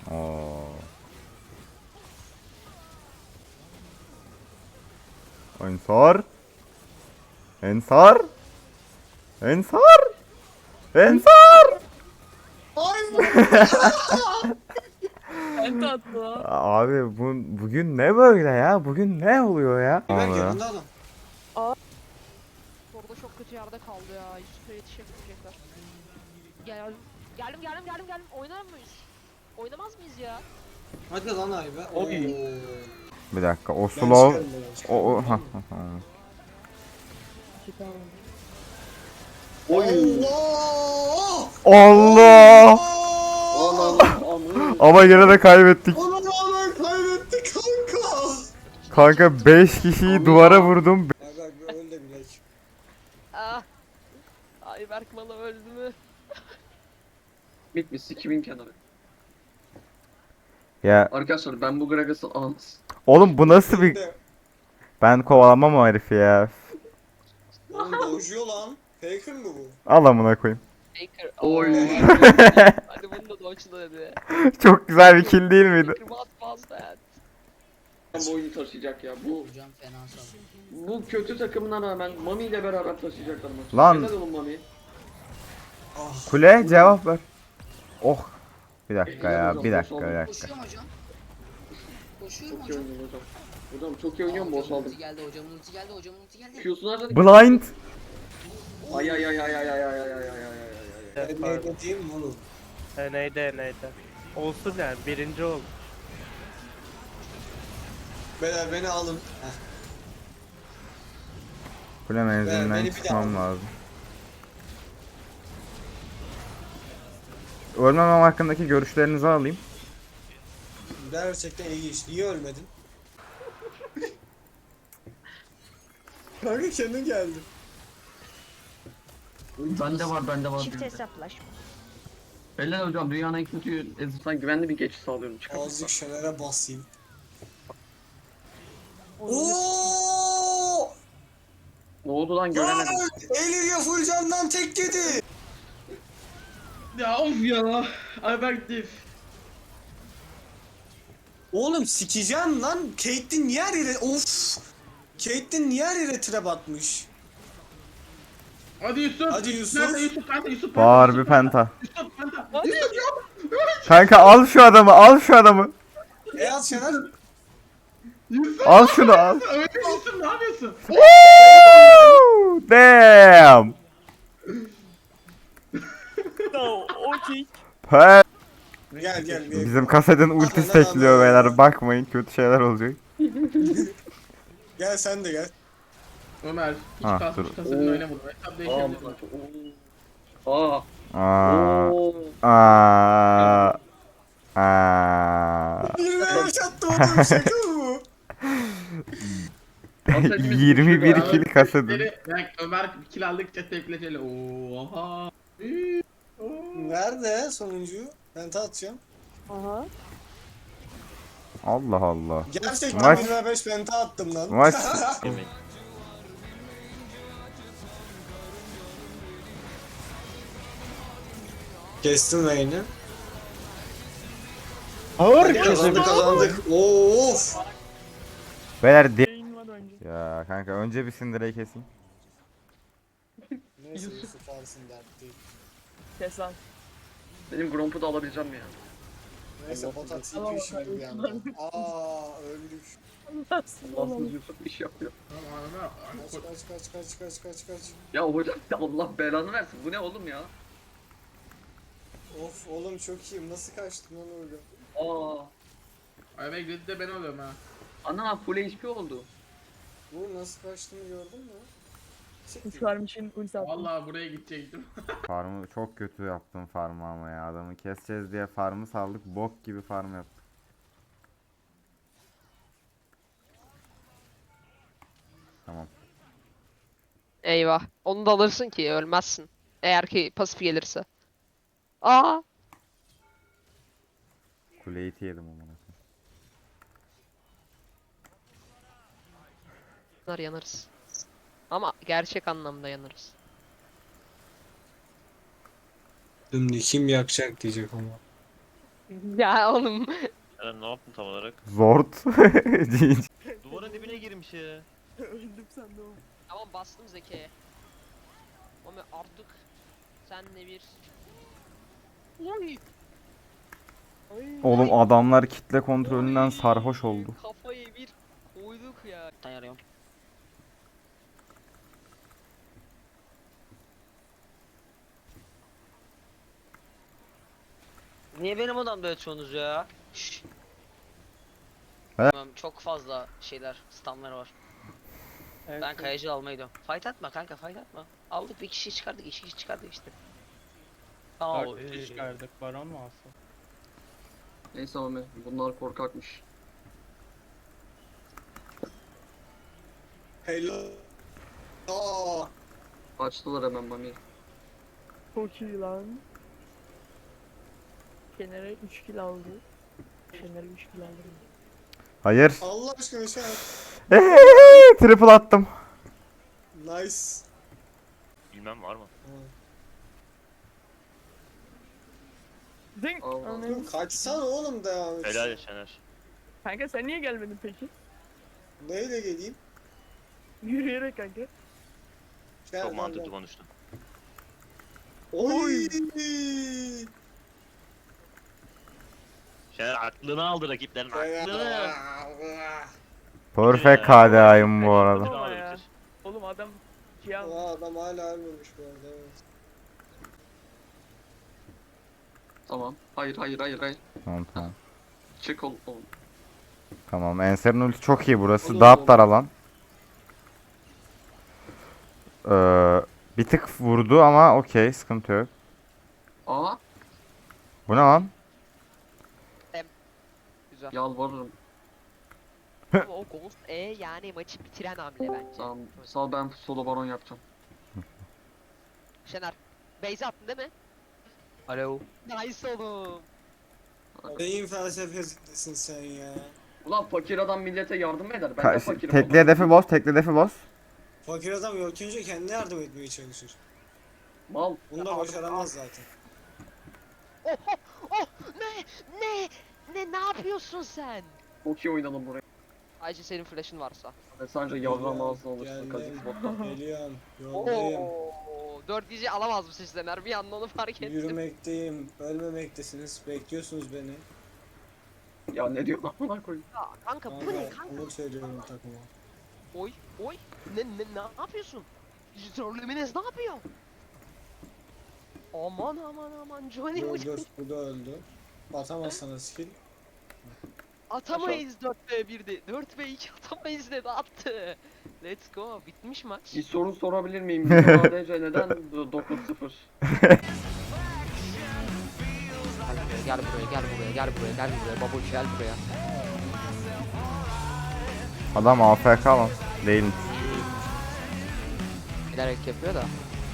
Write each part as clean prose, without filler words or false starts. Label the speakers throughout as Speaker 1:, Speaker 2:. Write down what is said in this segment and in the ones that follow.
Speaker 1: Oo. Ensar. Ensar. Ensar. Ensar.
Speaker 2: Ben tatlı lan.
Speaker 1: Abi bugün ne böyle ya? Bugün ne oluyor ya?
Speaker 3: Berk
Speaker 1: Abi.
Speaker 3: yanında adam.
Speaker 2: Orada çok kötü yerde kaldı ya. Yusuf'a yetişemeyecekler. Gel. Geldim. Oynar mıyız? Oynamaz mıyız ya?
Speaker 3: Hadi lan ay be. Oo.
Speaker 4: Oy.
Speaker 1: Bir dakika. O
Speaker 3: Ben
Speaker 1: slow.
Speaker 3: çıkarım ben.
Speaker 1: O ha.
Speaker 4: Oy.
Speaker 3: Allah!
Speaker 1: Allah!
Speaker 4: Anam.
Speaker 1: Ama yine de kaybettik.
Speaker 3: Ona rağmen kaybettik kanka.
Speaker 1: Kanka 5 kişiyi duvara vurdum.
Speaker 3: Ya bak öl de bilek.
Speaker 2: Ah. Ayberk Malı öldü mü?
Speaker 4: Bitmiş 2000 kenarı.
Speaker 1: Ya
Speaker 4: Arkadaşlar ben bu Gragas'ı almaz.
Speaker 1: oğlum bu nasıl bir... Ben kovalamam o herifi ya.
Speaker 3: Oğlum dojuyor lan. Faker mi bu?
Speaker 1: Al amına koyayım.
Speaker 2: Faker.
Speaker 4: Oy.
Speaker 2: Hadi bunu da dodge'la dedi.
Speaker 1: Çok güzel bir kill değil miydi?
Speaker 2: Faker what was that?
Speaker 4: Bu oyunu taşıyacak ya. Bu
Speaker 5: Hocam fena sallıyor.
Speaker 4: bu kötü takımına rağmen Mami ile beraber taşıyacaklar maçı.
Speaker 1: Lan.
Speaker 4: Helal olun Mami.
Speaker 3: Ah.
Speaker 1: Kule cevap ver. Oh. Bir dakika
Speaker 4: Helal
Speaker 1: ya.
Speaker 4: hocam,
Speaker 1: Bir
Speaker 4: boş
Speaker 1: dakika
Speaker 4: oldu.
Speaker 1: bir dakika.
Speaker 5: Koşuyor mu hocam? Koşuyor mu
Speaker 4: Çok iyi
Speaker 5: hocam?
Speaker 4: oynuyor hocam. Hocam çok iyi oynuyorum boss
Speaker 5: Hocamın
Speaker 4: aldım.
Speaker 5: ulti geldi, hocamın ulti geldi, hocamın ulti geldi.
Speaker 4: Q'sunu harcadık.
Speaker 1: Blind.
Speaker 4: Ay ay ay ay ay ay ay ay ay ay ay ay.
Speaker 3: Ben ne dediğim oğlum.
Speaker 6: Neydi. Olsun yani birinci ol.
Speaker 3: Beyler beni alın. Heh.
Speaker 1: Kule
Speaker 3: Beni
Speaker 1: menzilinden
Speaker 3: bir daha
Speaker 1: çıkmam
Speaker 3: al.
Speaker 1: lazım. Ölmemem hakkındaki görüşlerinizi alayım.
Speaker 3: Gerçekten ilginç. Niye ölmedin? Kanka kendin geldi.
Speaker 4: Bende var.
Speaker 7: Çift hesaplaşma.
Speaker 4: Helal hocam dünyanın en kötü ezikten güvenli bir geçiş sağlıyorum.
Speaker 3: Azıcık Şener'e basayım. Oo!
Speaker 4: Ne oldu lan göremedim.
Speaker 3: Elia full candan tek yedi.
Speaker 4: Ya of ya. Ayberk diff.
Speaker 3: Oğlum sikeceğim lan. Caitlyn niye her yere... Of! Caitlyn niye her yere trap atmış?
Speaker 4: Hadi Yusuf.
Speaker 3: Hadi Yusuf.
Speaker 4: Nerede Yusuf? Nerede Yusuf?
Speaker 1: Bağır bir penta.
Speaker 4: Yusuf penta.
Speaker 2: Hadi.
Speaker 1: Kanka al şu adamı, al şu adamı.
Speaker 3: Az Şener.
Speaker 1: Al şunu al.
Speaker 4: Öyle Yusuf ne yapıyorsun?
Speaker 1: Woo! Damn.
Speaker 6: Okey.
Speaker 1: Pe-
Speaker 3: Gel.
Speaker 1: Bizim kasetin ultisi
Speaker 3: Aman,
Speaker 1: tekliyor
Speaker 3: aman.
Speaker 1: beyler. Bakmayın kötü şeyler olacak.
Speaker 3: Gel sen de gel.
Speaker 4: Ömer. Hiç
Speaker 1: Ha,
Speaker 4: kasmış
Speaker 1: dur.
Speaker 4: kasadın oynamadım. Hesap değişebilir. Aa.
Speaker 1: Aa.
Speaker 4: Oo.
Speaker 1: Aa. Aa.
Speaker 3: 25 attı oğlum şaka mı?
Speaker 1: 21 kill kasetin.
Speaker 4: Bak Ömer kill aldıkça tepkileceli. Oha.
Speaker 3: Nerede sonuncu? Ben atacağım.
Speaker 2: Aha.
Speaker 1: Allah Allah.
Speaker 3: Gerçekten
Speaker 1: Maç-
Speaker 3: 25 penta attım lan.
Speaker 1: Maç
Speaker 3: Kestim lane'i.
Speaker 6: Ağır
Speaker 3: Kazandık. Of.
Speaker 1: beyler ya kanka önce bir Syndra'yı keseyim.
Speaker 3: Neyse Yusuf alsın dert değil.
Speaker 2: Kes lan.
Speaker 4: Benim Gromp'u da alabileceğim ya.
Speaker 3: Neyse bota TP şimdi bir yandan. Aa öldük.
Speaker 4: Allahsız Yusuf iş yapıyor.
Speaker 3: Kaç.
Speaker 4: Ya hocam Allah belanı versin. Bu ne oğlum ya?
Speaker 3: Of oğlum çok iyiyim. Nasıl kaçtım lan öyle?
Speaker 4: Aa. Ay ben gridde ben oluyorum ha. Ana full HP oldu.
Speaker 3: Bu nasıl kaçtığını gördün mü? Siktir.
Speaker 2: Uçarmışın ulti attım.
Speaker 4: Vallahi buraya gidecektim.
Speaker 1: Farmı çok kötü yaptım farmı ama ya adamı keseceğiz diye farmı saldık bok gibi farm yaptık. Tamam.
Speaker 2: Eyvah. Onu da alırsın ki ölmezsin. Eğer ki pasif gelirse. Aa.
Speaker 1: Kuleyi yedim amına.
Speaker 2: Yanarız. Ama gerçek anlamda yanarız.
Speaker 3: Şimdi kim yakacak diyecek ama.
Speaker 2: Ya oğlum.
Speaker 7: Eren ne yaptın tam olarak?
Speaker 1: Zort.
Speaker 7: Duvarın dibine girmiş ya.
Speaker 2: Tamam bastım Zeki'ye. Ama artık senle bir... Oy!
Speaker 1: Oğlum adamlar kitle kontrolünden sarhoş oldu.
Speaker 2: Kafayı bir koyduk ya.
Speaker 5: Dayanıyorum. Niye benim odamda yatıyorsunuz ya? Şşş.
Speaker 1: He?
Speaker 5: Tamam, çok fazla şeyler, stamlar var.
Speaker 6: Evet,
Speaker 5: Ben kayacı almayı gidiyorum. Fight atma kanka, fight atma. Aldık bir kişi çıkardık, iki kişi çıkardık işte. Tamam.
Speaker 6: 4 kişi çıkardık. Baron mu alsın?
Speaker 8: Neyse abi bunlar korkakmış.
Speaker 3: Hello. Aa,
Speaker 8: Açtılar hemen Mami.
Speaker 9: Çok iyi lan. Şener'e 3 kill aldı. Şener'e 3 kill aldı.
Speaker 1: Hayır.
Speaker 3: Allah aşkına şey yap.
Speaker 1: Triple attım.
Speaker 3: Nice.
Speaker 7: Bilmem var mı?
Speaker 9: Zing!
Speaker 8: Allah.
Speaker 9: Ananı-
Speaker 3: Kaçsana oğlum devam et.
Speaker 7: Helal et Şener.
Speaker 9: Kanka sen niye gelmedin peki?
Speaker 3: Neyle geleyim?
Speaker 9: Yürüyerek kanka.
Speaker 3: Gel,
Speaker 7: Çok
Speaker 3: gel,
Speaker 7: mantıklı
Speaker 3: gel.
Speaker 7: konuştun.
Speaker 3: Oy.
Speaker 7: Şener aklını aldı rakiplerin aklını.
Speaker 1: Perfect KDA'yım bu arada.
Speaker 7: Aklını
Speaker 9: Ama
Speaker 7: aldı
Speaker 9: ya.
Speaker 7: bitir.
Speaker 9: Oğlum adam şey aldı.
Speaker 3: Aa, adam hala ölmemiş bu arada. Evet.
Speaker 8: Tamam. Hayır hayır hayır hayır.
Speaker 1: Tamam tamam.
Speaker 8: Çık oğlum.
Speaker 1: Tamam Enser'in ulti çok iyi burası.
Speaker 8: Olur,
Speaker 1: Dağıt
Speaker 8: olur.
Speaker 1: dar alan. Bir tık vurdu ama okey sıkıntı yok.
Speaker 8: Aa
Speaker 1: Bu ne lan?
Speaker 2: Güzel.
Speaker 8: yalvarırım.
Speaker 2: Ama o Ghost yani maçı bitiren hamle bence.
Speaker 8: Tamam. Sal ben solo baron yapacağım.
Speaker 2: Şener. Beyza attın değil mi?
Speaker 5: Alo.
Speaker 2: Nice oğlum.
Speaker 3: Neyin felsefesisin sen ya?
Speaker 8: Ulan fakir adam millete yardım eder. Ben de fakirim.
Speaker 1: Tekli hedefi boz, tekli hedefi boz.
Speaker 3: Fakir adam yok önce kendine yardım etmeye çalışır.
Speaker 8: Mal.
Speaker 3: Bunu da başaramaz zaten.
Speaker 2: Oh oh oh ne yapıyorsun sen?
Speaker 8: Çok iyi oynadın burayı.
Speaker 2: Ayrıca senin flash'ın varsa.
Speaker 8: Ve sence yavrum ağzına olursun
Speaker 3: Geldim.
Speaker 8: Kazik botta.
Speaker 3: Geliyorum. Yoldayım.
Speaker 2: Oo 4 gece alamaz mı sizler? Bir anda onu fark ettim.
Speaker 3: Yürümekteyim. Ölmemektesiniz. Bekliyorsunuz beni.
Speaker 8: Ya ne diyorsun amına koyayım.
Speaker 2: Ya kanka bu ne kanka?
Speaker 3: Onu söylüyorum takıma.
Speaker 2: Oy oy ne yapıyorsun? Trollemines ne yapıyor? Aman Johnny bu
Speaker 3: Dur bu da öldü. Atamaz sana skill.
Speaker 2: atamayız 4v1'de 4v2 atamayız dedi attı. Let's go bitmiş maç.
Speaker 8: Bir soru sorabilir miyim? Bizim ADC neden 9-0?
Speaker 2: Gel buraya babuş gel buraya.
Speaker 1: Adam AFK lan. Değil.
Speaker 2: Bilerek yapıyor da.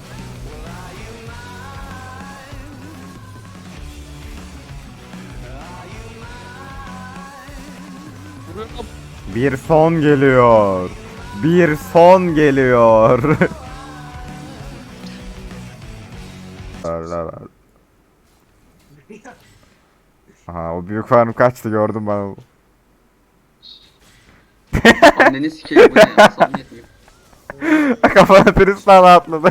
Speaker 2: Vuruyorum.
Speaker 1: Bir son geliyor. Bir son geliyor. Aha o büyük farm kaçtı gördüm ben onu.
Speaker 8: Anneni sikeyim bu ne ya? Samimiyet mi?
Speaker 1: Kafana Tristan atladı.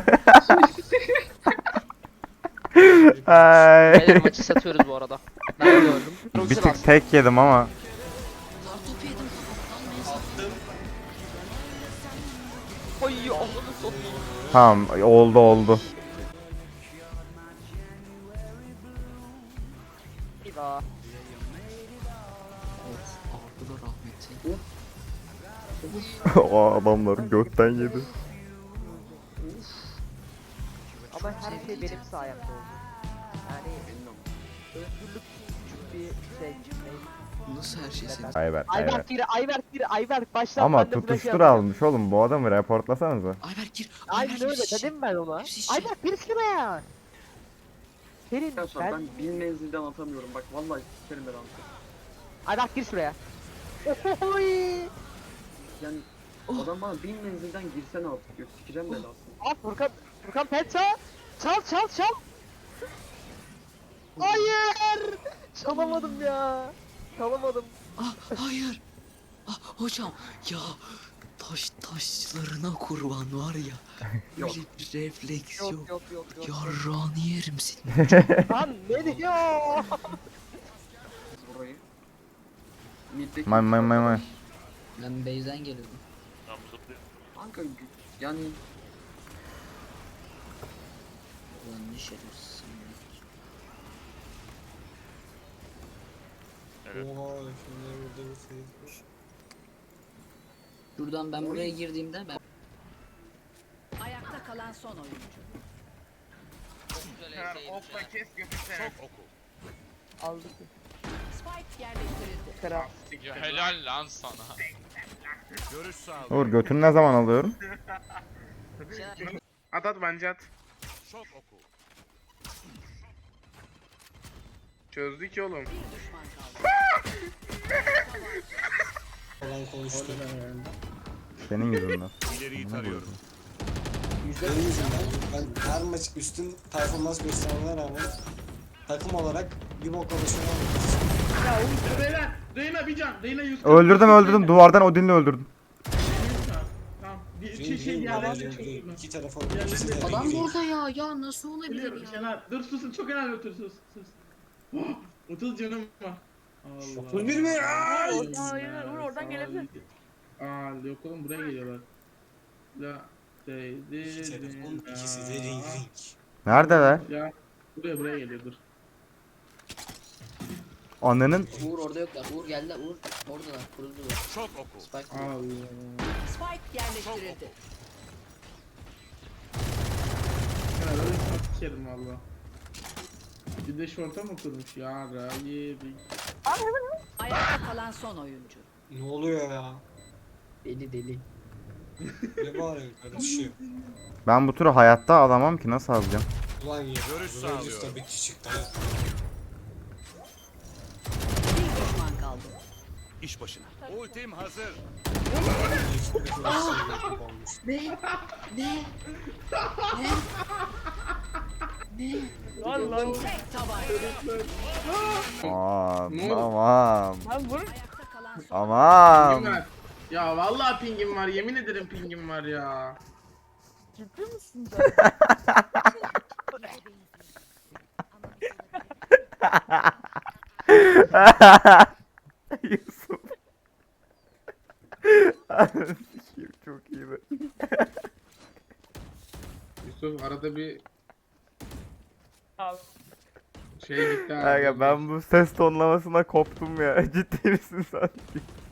Speaker 1: Ay.
Speaker 2: Beyler maçı satıyoruz bu arada. Ben de gördüm.
Speaker 1: Bir tık tek yedim ama.
Speaker 5: Kartopu yedim.
Speaker 2: Oy Allah'ını satayım.
Speaker 1: Tamam oldu.
Speaker 2: Bir daha.
Speaker 5: Aldı da rahmeti.
Speaker 1: O adamların götten yedi.
Speaker 2: Ama her şey benim sayemde oldu. Yani özgürlük küçük bir şey.
Speaker 5: Nasıl her şey senin?
Speaker 2: Ayberk baştan
Speaker 1: Ama
Speaker 2: ben de flash
Speaker 1: tutuştur
Speaker 2: yapacağım.
Speaker 1: almış oğlum bu adamı reportlasanıza.
Speaker 5: Ayberk gir.
Speaker 2: Aynen öyle dedim ben ona.
Speaker 5: Hepsi işçi.
Speaker 2: Ayberk bir şuraya. Senin
Speaker 8: Arkadaşlar
Speaker 2: ben...
Speaker 8: ben 1000 menzilden atamıyorum. Bak vallahi sikerim ben anasını.
Speaker 2: Ayberk gir şuraya. Ohoy.
Speaker 8: Yani adam bana 1000 menzilden girsene artık diyor. Sikeceğim belasını.
Speaker 2: Al Furkan pet çal. Çal. Hayır.
Speaker 9: Çalamadım ya. Çalamadım.
Speaker 10: Ah hayır. Ah hocam ya taşlarına kurban var ya.
Speaker 8: Yok.
Speaker 10: Öyle bir refleks yok.
Speaker 9: Yok yok yok yok.
Speaker 10: Yarrağını yerim seni.
Speaker 9: Lan ne diyor?
Speaker 8: Burayı. Middeki
Speaker 1: May.
Speaker 10: Ben base'den geliyordum.
Speaker 7: Tam zıplıyor.
Speaker 8: Kanka yani
Speaker 10: Ulan ne şerefsizsin ya.
Speaker 7: Evet.
Speaker 3: Oha şimdi burada bir şey.
Speaker 10: Şuradan ben buraya girdiğimde ben
Speaker 11: Ayakta kalan son oyuncu.
Speaker 4: kes götürsene.
Speaker 9: Aldık.
Speaker 11: Spike yerleştirildi.
Speaker 9: Kral.
Speaker 4: Helal lan sana.
Speaker 1: Uğur götünü ne zaman alıyorum?
Speaker 4: At bence at. Çözdük ya oğlum.
Speaker 11: Bir düşman kaldı.
Speaker 3: Falan konuştu.
Speaker 1: Senin yüzünden.
Speaker 3: Benim yüzümden. Ben her maç üstün performans göstermeme rağmen takım olarak bir bok alışıyorum.
Speaker 4: Beyler, Reyna bir can. Reyna 100.
Speaker 1: Öldürdüm. Duvardan Odin'le öldürdüm.
Speaker 4: Tamam. Bir şey yerlerinde çözülme.
Speaker 3: İki telefon.
Speaker 4: Yerlerinde-
Speaker 3: ikisi de
Speaker 10: adam
Speaker 3: değil.
Speaker 10: burada ya nasıl olabilir
Speaker 4: Biliyorum
Speaker 10: ya?
Speaker 4: Şener. Dur susun çok önemli otur sus. 30 canım var. Allah.
Speaker 3: 31 mi? Ay!
Speaker 9: Uğur oradan gelebilir.
Speaker 4: Yok oğlum buraya geliyorlar. La
Speaker 3: İki telefon, ikisi de ring ring.
Speaker 1: Neredeler?
Speaker 4: Ya buraya geliyor dur.
Speaker 1: Annenin
Speaker 10: Uğur orada yoklar. Uğur geldiler. Uğur oradalar. Kuruldular. Çok oku. Spike.
Speaker 4: Allah.
Speaker 11: Spike yerleştirildi.
Speaker 4: Ya öyle sana sikerim valla. Bir de şorta mı kurmuş ya yedik.
Speaker 11: Ayakta kalan son oyuncu.
Speaker 3: Ne oluyor ya?
Speaker 10: Deli.
Speaker 3: Ne bağırıyor kardeşim?
Speaker 1: ben bu turu hayatta alamam ki nasıl alacağım?
Speaker 3: Ulan ya. Görüş tabii ki çıktı.
Speaker 11: Bir düşman kaldı.
Speaker 9: Lan lan.
Speaker 11: Tek tabanca.
Speaker 1: Aman.
Speaker 9: Lan vur.
Speaker 11: Ayakta kalan son
Speaker 4: Pingim
Speaker 1: Aman.
Speaker 4: var. Ya vallahi pingim var yemin ederim pingim var ya.
Speaker 9: Ciddi misin sen?
Speaker 1: Yusuf. Sikeyim, çok iyi be.
Speaker 4: Yusuf arada bir
Speaker 9: Abi.
Speaker 4: şey gitti abi.
Speaker 1: Kanka ben bu ses tonlamasına koptum ya. Ciddi misin sen?